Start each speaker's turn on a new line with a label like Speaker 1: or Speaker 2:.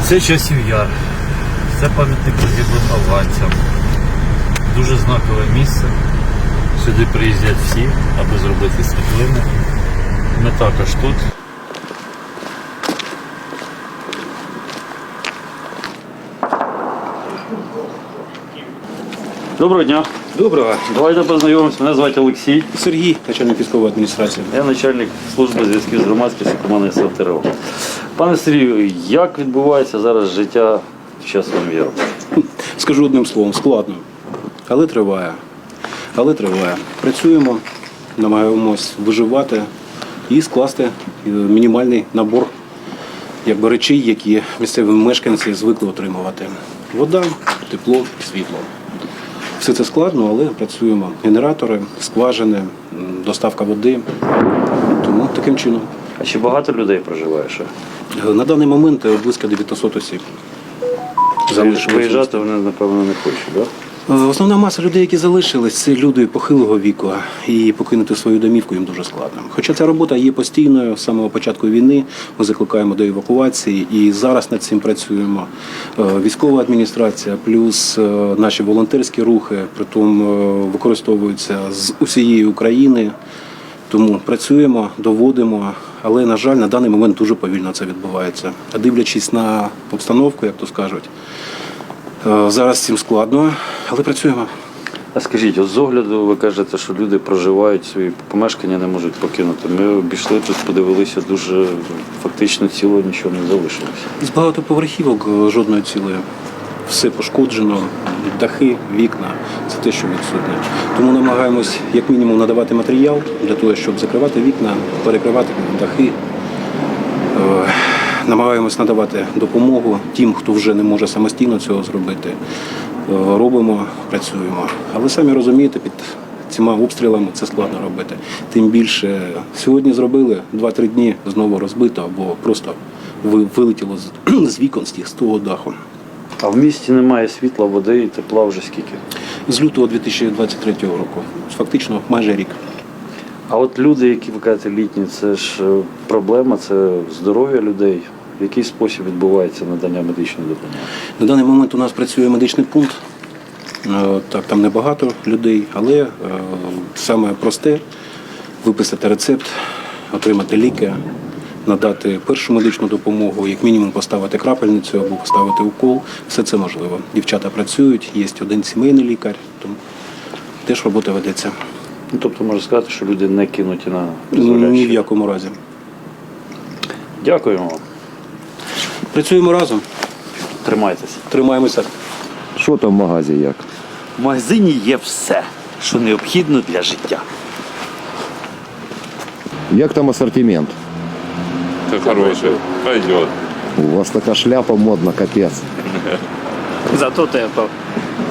Speaker 1: Це часів яр. Це пам'ятник загиблим афганцям. Дуже знакове місце. Сюди приїздять всі, аби зробити світлини. Ми також тут. Доброго дня.
Speaker 2: Доброго.
Speaker 1: Давайте познайомимося. Мене звати Олексій.
Speaker 2: Сергій, начальник військової адміністрації.
Speaker 1: Я начальник служби зв'язків з громадськістю команди СВТРО. Пане Сергію, як відбувається зараз життя в часовому яру?
Speaker 2: Скажу одним словом, складно. Але триває. Працюємо, намагаємось виживати і скласти мінімальний набор речей, які місцеві мешканці звикли отримувати. Вода, тепло, світло. Все це складно, але працюємо. Генератори, скважини, доставка води. Тому таким чином.
Speaker 1: А чи багато людей проживає ще?
Speaker 2: На даний момент близько 900 осіб.
Speaker 1: Виїжджати вони, напевно, не хочуть, так?
Speaker 2: Основна маса людей, які залишились, це люди похилого віку, і покинути свою домівку їм дуже складно. Хоча ця робота є постійною, з самого початку війни ми закликаємо до евакуації, і зараз над цим працюємо. Військова адміністрація, плюс наші волонтерські рухи, притом використовуються з усієї України. Тому працюємо, доводимо, але, на жаль, на даний момент дуже повільно це відбувається. А дивлячись на обстановку, як то скажуть, зараз цим складно, але працюємо.
Speaker 1: А скажіть, от з огляду ви кажете, що люди проживають свої помешкання, не можуть покинути. Ми обійшли тут, подивилися, дуже фактично ціло нічого не залишилося.
Speaker 2: З багатоповерхівок жодної цілої. Все пошкоджено, дахи, вікна – це те, що відсутнє. Тому намагаємось, як мінімум, надавати матеріал для того, щоб закривати вікна, перекривати дахи. Намагаємось надавати допомогу тим, хто вже не може самостійно цього зробити. Робимо, працюємо. Але самі розумієте, під цими обстрілами це складно робити. Тим більше сьогодні зробили, 2-3 дні знову розбито або просто вилетіло з вікон з того даху.
Speaker 1: А в місті немає світла, води і тепла вже скільки?
Speaker 2: З лютого 2023 року. Фактично майже рік.
Speaker 1: А от люди, які ви кажете літні, це ж проблема, це здоров'я людей. В який спосіб відбувається надання медичної допомоги?
Speaker 2: На даний момент у нас працює медичний пункт. Так, там небагато людей, але саме просте – виписати рецепт, отримати ліки, надати першу медичну допомогу, як мінімум поставити крапельницю або поставити укол. Все це можливо. Дівчата працюють, є один сімейний лікар, тому теж робота ведеться.
Speaker 1: Ну, тобто можна сказати, що люди не кинуті на призволяще?
Speaker 2: Ні в якому разі.
Speaker 1: Дякуємо вам.
Speaker 2: Працюємо разом,
Speaker 1: Тримайтеся.
Speaker 2: тримаємося.
Speaker 3: Що там в магазі як?
Speaker 1: В магазині є все, що необхідно для життя.
Speaker 3: Як там асортимент?
Speaker 4: Ты хороший, пойдет.
Speaker 3: У вас така шляпа модна, капець.
Speaker 1: Зато тепло.